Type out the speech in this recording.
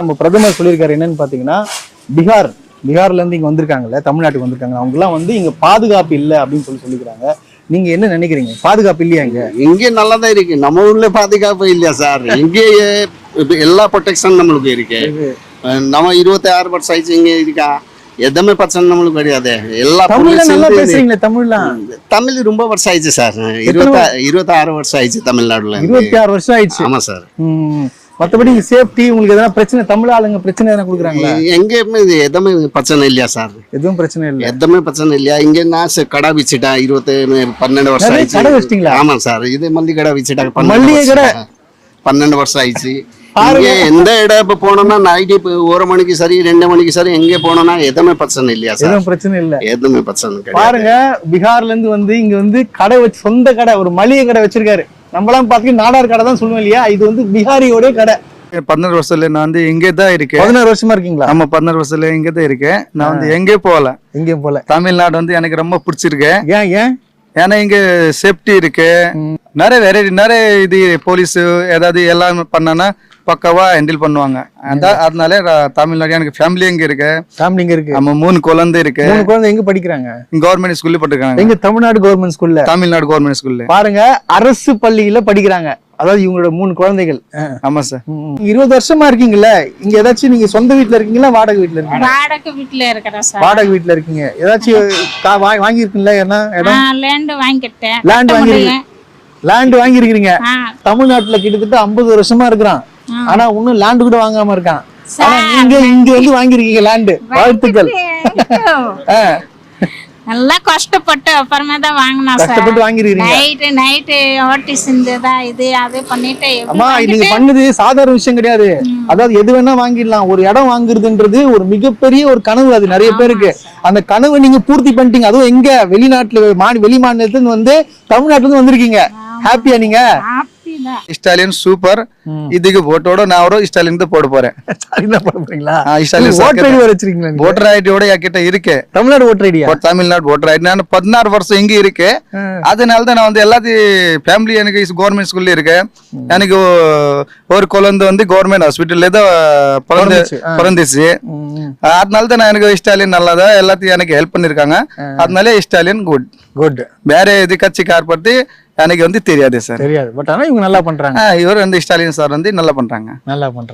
நம்ம பிரதமர் சொல்லியிருக்காரு என்னன்னு பாத்தீங்கன்னா, பீகார்ல இருந்து இங்க வந்திருக்காங்கல்ல, தமிழ்நாட்டுக்கு வந்திருக்காங்க, அவங்க எல்லாம் வந்து இங்க பாதுகாப்பு இல்லை அப்படின்னு சொல்லிக்கிறாங்க. நீங்க என்ன நினைக்கிறீங்க? பாதுகாப்பு இல்லையா இங்க? இங்கே நல்லதான் இருக்கு. நம்ம ஊர்ல பாதுகாப்பு இல்லையா சார்? இங்கே எல்லா ப்ரொடெக்ஷன் நம்மளுக்கு இருக்கு. நம்ம 26 வருஷம் ஆயிடுச்சு இங்க இருக்கா, எதுவுமே பிரச்சனை நம்மளுக்கு கிடையாது. எல்லா தமிழ் ரொம்ப வருஷம் ஆயிடுச்சு சார். 26 வருஷம் ஆயிடுச்சு தமிழ்நாடுல. 26 வருஷம் ஆயிடுச்சு. ஆமா சார். மத்தபடி சேஃப்டி உங்களுக்கு எதனா பிரச்சனை, தமிழ் ஆளுங்க பிரச்சனை எதனா கொடுக்குறாங்களா? எங்கேயுமே எதுவுமே பிரச்சனை இல்லையா சார்? எதுவும் பிரச்சனை இல்லை, எதுவுமே பிரச்சனை இல்லையா? இங்க நான் கடை வச்சுட்டா 12 வருஷம் ஆயிடுச்சு. கடை வச்சிட்டீங்களா? ஆமா சார். இது மல்லிகை கடை வச்சுட்டா மல்லிகை கடை 12 வருஷம் ஆயிடுச்சு. எந்த இடம் இப்ப போனோம்னா நைட்டு 1 மணிக்கு சரி 2 மணிக்கு சரி எங்கே போனோம்னா எதுவுமே பிரச்சனை இல்லையா சார்? எதுவும் பிரச்சனை இல்லை, எதுவுமே பிரச்சனை பாருங்க. பீகார்ல இருந்து வந்து இங்க வந்து கடை வச்சு, சொந்த கடை, ஒரு மளிகை கடை வச்சிருக்காரு. நம்மளாம் பாத்தீங்கன்னா நாடார் கடை தான் சொல்லுவோம் இல்லையா, இது வந்து பீகாரியோட கடை. 16 வருஷத்துல நான் வந்து இங்கே தான் இருக்கேன். 16 வருஷமா இருக்கீங்களா? ஆமா, 16 வருஷத்துல இங்கே தான் இருக்கேன். நான் வந்து எங்கேயும் போகல. தமிழ்நாடு வந்து எனக்கு ரொம்ப பிடிச்சிருக்கு. ஏன்? ஏன்னா இங்க சேஃப்டி இருக்கு, நிறைய இது போலீஸ் ஏதாவது எல்லாம் பண்ணனா பக்காவா ஹேண்டில் பண்ணுவாங்க. அதனால தமிழ்நாடு எனக்கு ஃபேமிலி எங்க இருக்கு. நம்ம 3 குழந்தை இருக்கு. 3 குழந்தை எங்க படிக்கிறாங்க? கவர்மெண்ட் ஸ்கூல்ல படிக்கிறாங்க. எங்க தமிழ்நாடு கவர்மெண்ட் ஸ்கூல்ல? தமிழ்நாடு கவர்மெண்ட் ஸ்கூல்ல. பாருங்க, அரசு பள்ளியில படிக்கிறாங்க. அதாவது இவங்களோட 3 குழந்தைகள். ஆமா சார். 20 வருஷமா இருக்கீங்கல்ல இங்க, ஏதாச்சும் நீங்க சொந்த வீட்டுல இருக்கீங்களா, வாடகை வீட்டுல இருக்கீங்களா? வாடகை வீட்டுல இருக்கிறேன் சார். வாடகை வீட்டுல இருக்கீங்க. ஏதாச்சும் வாங்கி இருக்கீங்களா? என்ன இடம்? லேண்ட் வாங்கிட்டேன். லேண்ட் வாங்கி இருக்கீங்க. தமிழ்நாட்டுல கிட்டத்தட்ட 50 வருஷமா இருக்கிறான், ஆனா இன்னும் லேண்ட் கூட வாங்காம இருக்கான். ஆனா நீங்க இங்க வந்து வாங்கிருக்கீங்க லேண்ட். வாழ்த்துக்கள். நல்லா கஷ்டப்பட்டு அப்புறமா தான் வாங்கினா சார். கஷ்டப்பட்டு வாங்கிருக்கீங்க. நைட்டு ஓட்டி செஞ்சதா இது அது பண்ணிட்டு. அம்மா, நீங்க பண்ணது சாதாரண விஷயம் கிடையாது. அதாவது எது வேணா வாங்கிடலாம். ஒரு இடம் வாங்குறதுன்றது ஒரு மிகப்பெரிய ஒரு கனவு. அது நிறைய பேருக்கு அந்த கனவை நீங்க பூர்த்தி பண்ணிட்டீங்க. அதுவும் எங்க வெளிநாட்டுல, வெளி மாநிலத்துல வந்து தமிழ்நாட்டுல இருந்து வந்திருக்கீங்க. ஹாப்பியா நீங்க? ஸ்டாலின் சூப்பர். இதுக்கு ஓட்டோட நான் ஒரு ஸ்டாலின் தான் போட போறேன். ஓட்டர் ஐடியோட என்கிட்ட இருக்கு. தமிழ்நாடு ஓட்டர் ஐடியா? Tamil Nadu voter ID. நான் 16 வருஷம் இங்க இருக்கு. அதனால தான் நான் வந்து எல்லாத்தையும் ஃபேமிலி எனக்கு கவர்மெண்ட் ஸ்கூல்ல இருக்கு. எனக்கு ஒரு குழந்தை வந்து கவர்மெண்ட் ஹாஸ்பிட்டல்ல தான் பிறந்துச்சு. அதனால தான் நான் எனக்கு ஸ்டாலின் நல்லாதான் எல்லாத்தையும் எனக்கு ஹெல்ப் பண்ணிருக்காங்க. அதனால ஸ்டாலின் குட். வேற எது கட்சி கார்படுத்தி எனக்கு வந்து தெரியாது சார். தெரியாது. பட் ஆனா இவங்க நல்லா பண்றாங்க. இவர் வந்து ஸ்டாலின் சார் வந்து நல்லா பண்றாங்க.